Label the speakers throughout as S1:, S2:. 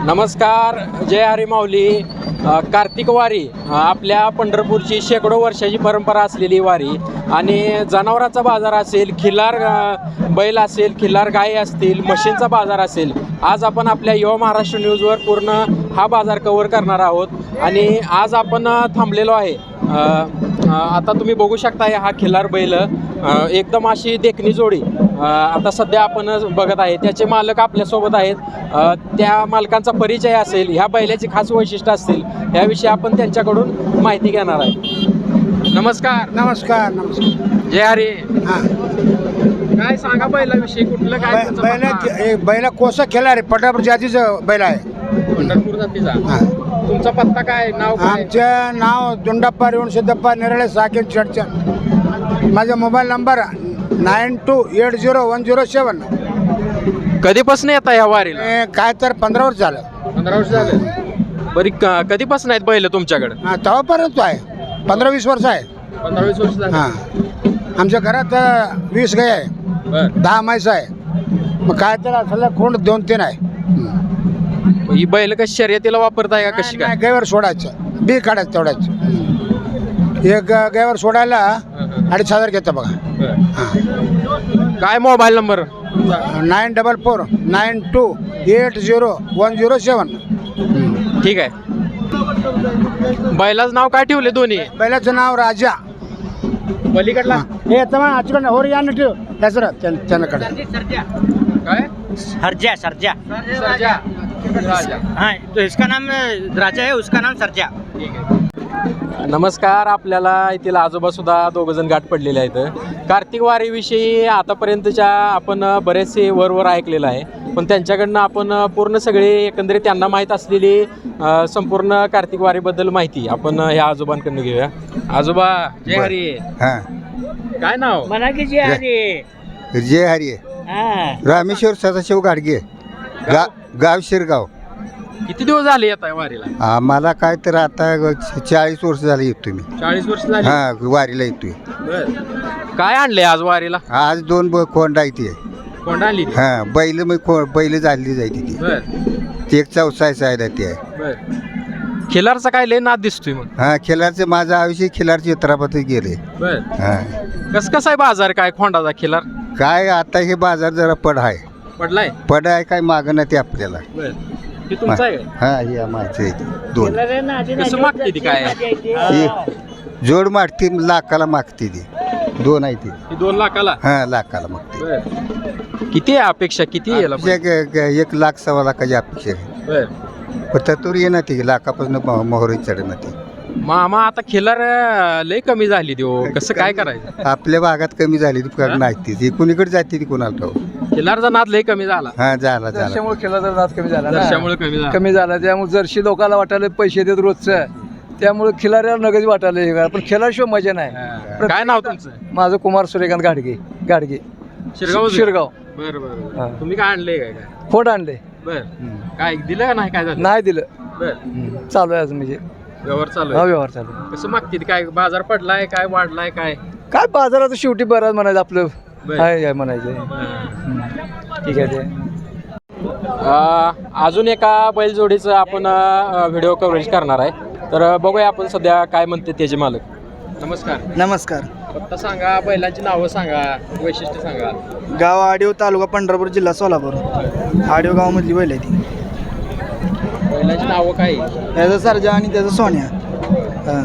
S1: नमस्कार. जय हरी माऊली. कार्तिक वारी आपल्या पंढरपूरची शेकडो वर्षाची परंपरा असलेली वारी आणि जनावरांचा बाजार असेल, खिल्लार बैल असेल, खिल्लार गायी असतील, म्हशींचा बाजार असेल. आज आपण आपल्या युवा महाराष्ट्र न्यूजवर पूर्ण हा बाजार कव्हर करणार आहोत आणि आज आपण थांबलेलो आहे. आता तुम्ही बघू शकता हा खिल्लार बैल एकदम अशी देखणी जोडी आता सध्या आपण बघत आहे. त्याचे मालक आपल्यासोबत आहेत. त्या मालकांचा परिचय असेल, ह्या बैलाची खास वैशिष्ट्य असतील, याविषयी आपण त्यांच्याकडून माहिती घेणार आहे. नमस्कार.
S2: नमस्कार. नमस्कार.
S1: जय हरी.
S2: हां,
S1: काय सांगा बैलाविषयी, कुठलं काय
S2: बैला कोसा खेळा रे, पंढरपूर जातीचं बैल आहे.
S1: पंढरपूर जातीचा.
S2: हां.
S1: तुमचा पत्ता काय, नाव काय?
S2: आमचं नाव दुंडप्पा रेवण सिद्धप्पा निराळे साकेत चडचण. माझा मोबाईल नंबर 92801007.
S1: कधीपासून येता ह्या वारीला?
S2: काय तर 15 वर्ष झालं.
S1: 15 वर्ष झाले. बरी कधीपासून आहेत बैल तुमच्याकडे?
S2: हां, तेव्हापर्यंत आहे. 15-20 वर्ष आहे.
S1: 15-20 वर्ष झाले.
S2: हां, आमच्या घरात 20 गाय आहे,
S1: बर.
S2: 10 म्हैस आहे. मग काय तर असलं कोण 2-3 आहे.
S1: ही बैल कशी शर्यतीला वापरताय का कशी काय?
S2: गायवर सोडायचं, बी काढायचं तेवढ्याच. एक गायवर सोडायला 2,500 घेतं बघा.
S1: बर. काय मोबाईल नंबर?
S2: 9449280107.
S1: ठीक आहे. बैलाचं नाव काय ठेवले दोन्ही?
S2: बैलाचं नाव राजा.
S1: पलीकडला
S2: हे तमा आजकडे होर यानं ठेव त्याचं त्याच्याकडे.
S1: काय?
S3: सरजा सरजा
S1: सर्जा. राजा.
S3: हाँ, तो इसका नाम राजा है, उसका नाम सरजा.
S1: ठीक आहे. नमस्कार. आपल्याला येथील आजोबा सुद्धा दोघंजण गाठ पडलेले आहेत. कार्तिक वारीविषयी आतापर्यंतच्या आपण बरेचसे वरवर ऐकलेलं आहे, पण त्यांच्याकडनं आपण पूर्ण सगळे एकंदरीत त्यांना माहीत असलेली संपूर्ण कार्तिक वारीबद्दल माहिती आपण ह्या आजोबांकडनं घेऊया. आजोबा जय हरी.
S4: हां,
S1: काय नाव?
S3: मना की जय हरी.
S4: जय हरी.
S3: हाँ,
S4: रामेश्वर सदाशिव गाडगे, गाव शिरगाव.
S1: किती दिवस झाले येत आहे वारीला?
S4: आम्हाला काय तर आता 40 वर्ष झाले येतो मी.
S1: 40 वर्ष झाली.
S4: हां, वारीला येतोय.
S1: बर. काय आणले आज वारीला?
S4: आज 2 कोंड आहे ते.
S1: कोंड आणली?
S4: हां, बैल बैल झाली जायची ती.
S1: बर.
S4: ते एक 64 आहे ते आहे.
S1: बर. खिलारचा काय लय नाद दिसतोय मग?
S4: हां, खिलारचं माझं आयुष्य खिलारच्या चित्रापात गेले.
S1: बर.
S4: हां,
S1: कसं आहे बाजार काय खोंडाचा खिलार?
S4: काय आता हे बाजार जरा पड आहे.
S1: पडलाय?
S4: पड आहे काय मागं ना ते आपल्याला.
S1: बर. हे तुमचं आहे काय?
S4: हां, हे माझं आहे 2.
S1: कसं मागते ती काय?
S4: ही जोड मागते, लाखाला मागते ती. 2 आहे ती.
S1: ही 2 लाखाला?
S4: हां, लाखाला मागते.
S1: बर. किती आहे अपेक्षा? किती यायला पाहिजे?
S4: 1,00,000-1,15,00,000 अपेक्षा आहे.
S1: बर.
S4: पण तत्वर ये ना ती लाखापासून मोहरी चढ ना ती.
S1: मामा आता खिलार लय कमी झाली ती हो. कसं काय करायचं?
S4: आपल्या भागात कमी झाली ती नाही ती कुणीकडे जाते ती कोणाला ठाऊ.
S1: खिलारचा नाद लय कमी झाला.
S4: हां, झाला
S5: जर्शीमुळे खेळाचा नाद कमी झाला ना.
S1: त्याच्यामुळे कमी झाला.
S5: कमी झाला त्यामुळे जर्शी लोकांना वाटायला पैसे देत रोजचं, त्यामुळे खिलाऱ्याला नगदी वाटायला हे करा. पण खिलारशिवाय मजा नाही.
S1: हा. काय नाव तुमचं?
S5: माझं कुमार सूर्यकांत गाडगे.
S1: शिरगाव.
S5: शिरगाव.
S1: बर बर.
S5: हा.
S1: तुम्ही काय आणले काय?
S5: फोड आणले,
S1: बर. काय दिलं का नाही? काय झालं?
S5: नाही दिलं.
S1: बर.
S5: चालू आहे अजून म्हणजे
S1: व्यवहार चालू
S5: हा
S1: आहे.
S5: व्यवहार चालू आहे.
S1: कसं मागते ती काय? बाजार पडलाय काय, वाढलाय काय?
S5: काय बाजारात शेवटी बरं म्हणायचं आपलं.
S1: बरं.
S5: आहे म्हणायचं.
S1: हा.
S5: ठीक आहे ते.
S1: अजून एका बैलजोडीचं आपण व्हिडिओ कव्हरेज करणार आहे. तर बघूया आपण सध्या काय म्हणते त्याचे मालक. नमस्कार.
S6: नमस्कार.
S1: फक्त सांगा, बैलांची नावं सांगा, वैशिष्ट्य सांगा.
S6: गाव आडिव, तालुका पंढरपूर, जिल्हा सोलापूर. आडिव गावामधली बैल आहे ती.
S1: बैलांची नावं काय?
S6: त्याचा सरजा आणि त्याचा सोन्या. हां.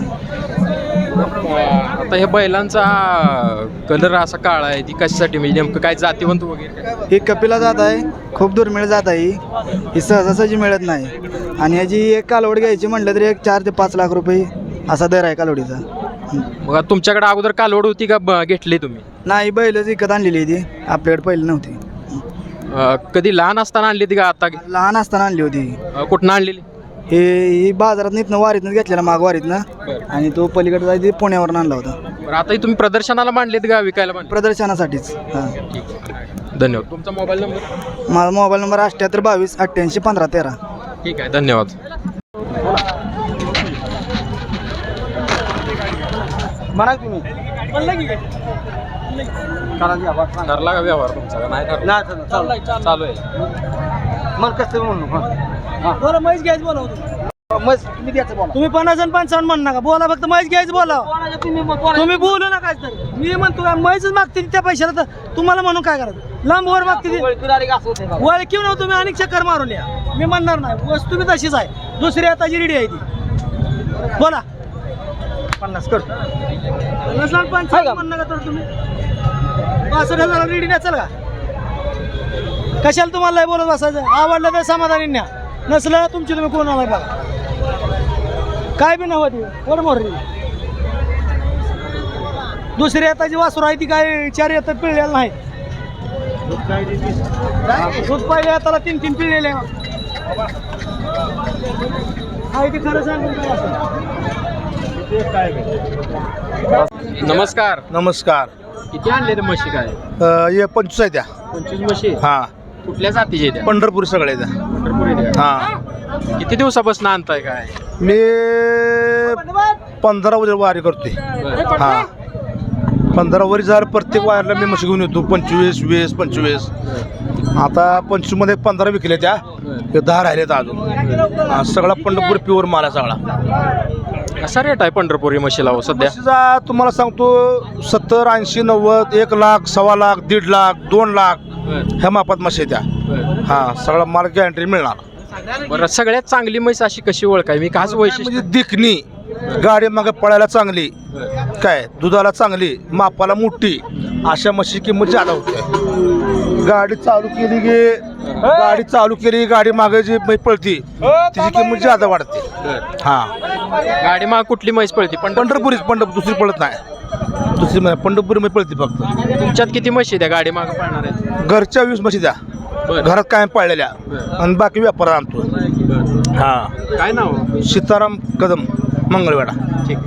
S1: आता ह्या बैलांचा कलर असा काळा आहे, ती कशासाठी म्हणजे नेमकं काय जातीवंत वगैरे काय?
S6: ही कपिला जात आहे, खूप दुर्मिळ जात आहे ही सहजासहजी मिळत नाही. आणि याची एक कालवड घ्यायची म्हटलं तरी 4 ते 5 लाख रुपये असा दर आहे कालवडीचा.
S1: मग तुमच्याकडे अगोदर कालवड होती का घेतली तुम्ही?
S6: नाही, बैलच विकत आणलेली ती, आपल्याकडे पहिली नव्हती.
S1: कधी लहान असताना आणली ती का आता?
S6: लहान असताना आणली होती.
S1: कुठनं आणलेली?
S6: ही बाजारात इथनं वारीतनं घेतलेला, माग वारीतनं. आणि तो पलीकडे जायची पुण्यावरून आणला होता.
S1: बरं. आता तुम्ही प्रदर्शनाला मांडलेत का विकायला मांडले?
S6: प्रदर्शनासाठीच. हां.
S1: ठीक आहे. धन्यवाद. तुमचा मोबाईल नंबर?
S6: माझा मोबाईल नंबर 7822881513.
S1: ठीक आहे, धन्यवाद.
S6: म्हणा तुम्ही
S1: ठरला का व्यवहार तुमचा का नाही ठरला? चालू आहे.
S6: मग कसं म्हणू
S7: बोला म्हैस घ्यायचं बोला तुम्ही 50 आणि 55 म्हणू नका बोला फक्त म्हैस घ्यायचं बोला तुम्ही बोलू नका तर मी म्हणतो म्हैसच मागते त्या पैशाला तर तुम्हाला म्हणून काय करायचं लांब वर मागते वळखीव ना तुम्ही अनेक चक्कर मारून या मी म्हणणार नाही वस्तू बी तशीच आहे दुसरी आताची रेडी आहे ती बोला 50 कर 50 आणि 55 म्हणू नका तर तुम्ही 65,000 रेडी नाही चल का कशाला तुम्हाला लय बोलत बसायचं आवडलं तर समाधानी न्या नसलं तुमची तुम्ही कोण आलाय बघा काय बी नव्हती वर मोर दुसरी आताची वासरू आहे ती काय 4 येतात पिळलेलं नाही दूध पहिले आताला 3 पिळलेले आहे ते खरं सांगून
S1: नमस्कार.
S2: नमस्कार.
S1: किती आणले ते म्हशी काय?
S2: हे 25 आहे त्या.
S1: 25 म्हशी.
S2: हा,
S1: कुठल्या जातीचे त्या?
S2: पंढरपूर सगळे त्या.
S1: पंढरपुरी त्या.
S2: हा,
S1: किती दिवसापासून आणताय काय?
S2: मी 15 वर्ष वारी करतोय. हा, 15 वर्ष झालं प्रत्येक वारीला मी म्हशी घेऊन येतो. 25, 20, 25. आता 25 मध्ये 15 विकले त्या, 10 राहिलेत अजून. हा, सगळा पंढरपूर प्युअर माल आहे सगळा.
S1: कसा रेट आहे पंढरपुरी म्हशीला हो सध्या?
S2: म्हशीचा तुम्हाला सांगतो 70, 80, 90, 1 लाख, 1.25 लाख, 1.5 लाख, 2 लाख ह्या मापात म्हशी त्या. हा, सगळा माल गॅरंटी मिळणार.
S1: बरं, सगळ्यात चांगली म्हैस अशी कशी ओळखाय मी खास वैशिष्ट्य
S2: म्हणजे दिखणी, गाडी मागे पळायला चांगली, काय दुधाला चांगली, मापाला मोठी, अशा म्हशी किंमत जादा होते. गाडी चालू केली गाडी मागे जी म्हैस पळती तिची किंमत जादा वाढते. हा,
S1: गाडी मग कुठली म्हैस पळती?
S2: पंढरपुरीच दुसरी पळत नाही. दुसरी पंढरपुरी म्हैस पळती फक्त.
S1: तुमच्यात किती म्हशी त्या गाडी मागे पळणार आहेत?
S2: घरच्या 20 म्हशी द्या, घरात कायम पाळलेल्या, आणि बाकी व्यापार आणतो. हा,
S1: काय नाव?
S2: सीताराम कदम, मंगळवेढा.
S1: ठीक.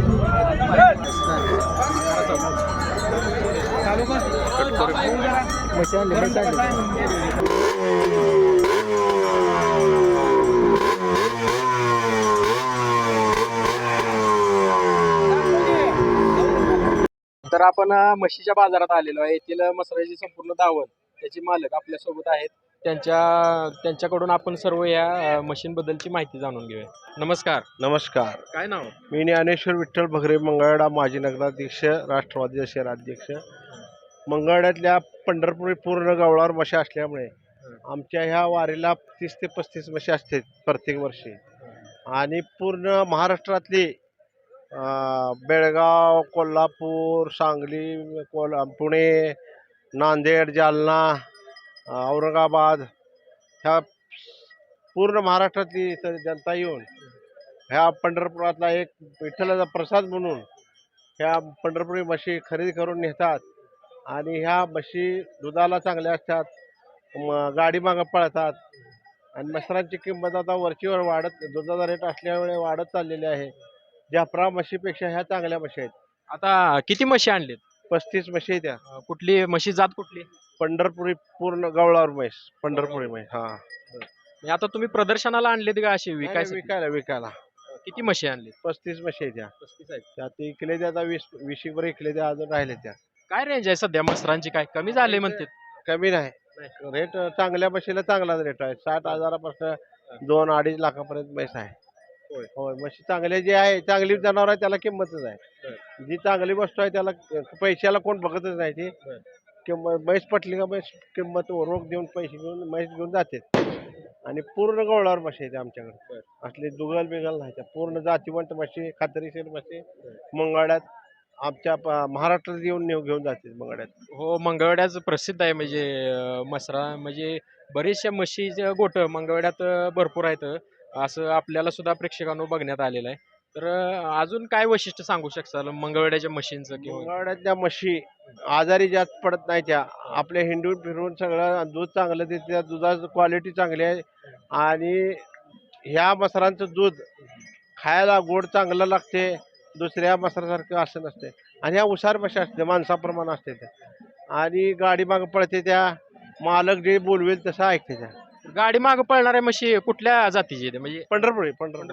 S1: तर आपण म्हशीच्या बाजारात आलेलो आहे. येथील मसराची संपूर्ण दावण त्याचे मालक आपल्या सोबत आहेत. त्यांच्याकडून आपण सर्व या मशीनबद्दलची माहिती जाणून घेऊया. नमस्कार.
S8: नमस्कार.
S1: काय नाव?
S8: मी ज्ञानेश्वर विठ्ठल भगरे, मंगळवेढा माजी नगराध्यक्ष, राष्ट्रवादी शहराध्यक्ष. मंगळवेढ्यातल्या पंढरपुरी पूर्ण गवळावर म्हशी असल्यामुळे आमच्या ह्या वारीला 30 ते 35 म्हशी असतात प्रत्येक वर्षी. आणि पूर्ण महाराष्ट्रातली बेळगाव, कोल्हापूर, सांगली, पुणे, नांदेड, जालना, औरंगाबाद ह्या पूर्ण महाराष्ट्रातली जनता येऊन ह्या पंढरपुरातला एक विठ्ठलाचा प्रसाद म्हणून ह्या पंढरपुरी म्हशी खरेदी करून नेतात. आणि ह्या म्हशी दुधाला चांगल्या असतात, गाडी मागं पळतात. आणि मसरांची किंमत आता वरचीवर वाढत, दुधाचा रेट असल्यामुळे वाढत चाललेली आहे. जाफरा म्हशीपेक्षा ह्या चांगल्या म्हशी आहेत.
S1: आता किती म्हशी आणलेत?
S8: 35 म्हशी आहेत त्या.
S1: कुठली म्हशी जात कुठली?
S8: पंढरपुरी पूर्ण गवळावर म्हैस, पंढरपुरी म्हैस. हा,
S1: म्हणजे आता तुम्ही प्रदर्शनाला आणलेत का अशी
S8: विकायला विकायला.
S1: किती म्हशी आणलेत?
S8: 35 म्हशी आहेत त्या.
S1: 35 आहेत.
S8: त्यात इकले त्या आता 20 वर इकले त्या, अजून राहिले त्या.
S1: काय रेंज आहे सध्या मसरांची? काय कमी झाले म्हणते?
S8: कमी नाही, रेट चांगल्या म्हशीला चांगलाच रेट आहे. 60,000पासून 2-2.5 लाखापर्यंत म्हैस आहे. होय, म्हशी चांगले जे आहे, चांगली जनावर आहे त्याला किंमतच आहे. जी चांगली वस्तू आहे त्याला पैशाला कोण बघतच नाही. ती किंमत म्हैस पटली का म्हैस किंमत रोख देऊन पैसे घेऊन म्हैस घेऊन जाते. आणि पूर्ण गवळावर म्हशी आहेत आमच्याकडे. असले दुगल बिगल नाही, त्या पूर्ण जातीवंत म्हशी, खात्रीशीर म्हशी मंगळवेढ्यात आमच्या महाराष्ट्रात येऊन घेऊन जाते मंगळवेढ्यात.
S1: हो, मंगळवेढ्याचं प्रसिद्ध आहे. म्हणजे मसरा म्हणजे बरेचशा म्हशीचे गोठ मंगळवेढ्यात भरपूर आहेत, असं आपल्याला सुद्धा प्रेक्षकांनो बघण्यात आलेलं आहे. तर अजून काय वैशिष्ट्य सांगू शकताल मंगळवेढ्याच्या म्हशींचं? किंवा
S8: मंगळवेढ्यातल्या म्हशी आजारी जास्त पडत नाही. त्या आपल्या हिंडून फिरून सगळं दूध चांगलं देते, त्या दुधाची क्वालिटी चांगली आहे. आणि ह्या मसरांचं दूध खायला गोड चांगलं लागते, दुसऱ्या मसरासारखं असं नसते. आणि ह्या उसार म्हशी असते, माणसाप्रमाणे असते त्या. आणि गाडी मागं पळते, त्या मालक जे बोलवेल तसं ऐकते त्या.
S1: गाडी मागं पळणाऱ्या म्हशी कुठल्या जातीची आहेत? म्हणजे
S8: पंढरपुरी.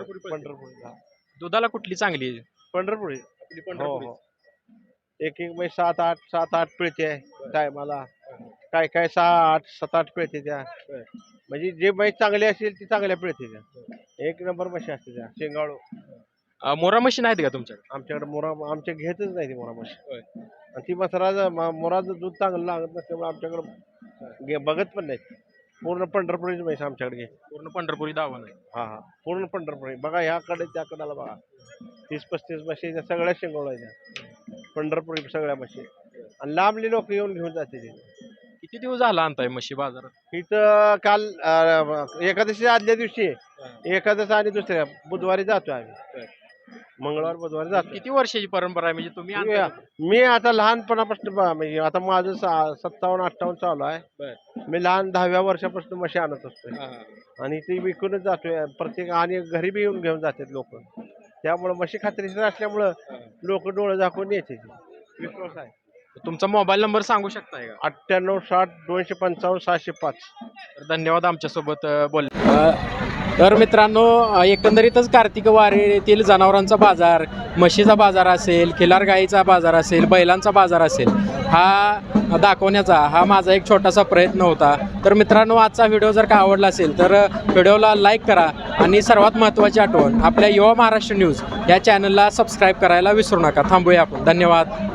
S1: दुधाला कुठली चांगली आहे?
S8: पंढरपुरी.
S1: पंढरपुरी.
S8: एक म्हैस 7-8 पिळते टायमाला. काय काय 6-8 7-8 पिळते त्या. म्हणजे जे म्हैस चांगली असेल ती चांगल्या पिळते त्या. एक नंबर म्हशी असते त्या शेंगाळू.
S1: मोरा मशीन आहेत का तुमच्याकडे?
S8: आमच्याकडे आमच्या घेतच नाही ती मोरा म्हशी. आणि ती मोराचं दूध चांगलं लागत नसल्यामुळे आमच्याकडे बघत पण नाही. पूर्ण पंढरपुरीची म्हैस आमच्याकडे घे.
S1: पूर्ण पंढरपुरी दावा नाही.
S8: हा हा पूर्ण पंढरपुरी बघा, ह्याकडे त्या कडाला बघा 30-35 म्हशी त्या सगळ्या शेंगोळायच्या पंढरपुरी सगळ्या म्हशी. आणि लांबली लोक येऊन घेऊन जाते ते.
S1: किती दिवस झाला आणताय म्हशी बाजारात?
S8: इथं काल एकादशी आदल्या दिवशी एकादशी आणि दुसऱ्या बुधवारी जातो आम्ही. मंगळवार बुधवारी जातो.
S1: किती वर्षाची परंपरा आहे म्हणजे तुम्ही आणताय?
S8: मी आता लहानपणापासून म्हणजे आता माझं 57-58 चालू आहे. मी लहान 10व्या वर्षापासून म्हशी आणत असतोय आणि ती विकूनच जातोय प्रत्येक. आणि घरी बी येऊन घेऊन जातात लोक. त्यामुळे म्हशी खात्रीशीर असल्यामुळं लोक डोळे झाकून येते. विश्वास आहे.
S1: तुमचा मोबाईल नंबर सांगू शकताय का?
S8: 98-60-255-605.
S1: धन्यवाद आमच्यासोबत बोलले. तर मित्रांनो, एकंदरीतच कार्तिक वारीतील जनावरांचा बाजार, म्हशीचा बाजार असेल, खिलार गाईचा बाजार असेल, बैलांचा बाजार असेल, हा दाखवण्याचा हा माझा एक छोटासा प्रयत्न होता. तर मित्रांनो, आजचा व्हिडिओ जर का आवडला असेल तर व्हिडिओला लाईक करा आणि सर्वात महत्त्वाची आठवण, आपल्या युवा महाराष्ट्र न्यूज या चॅनलला सबस्क्राईब करायला विसरू नका. थांबूया आपण. धन्यवाद.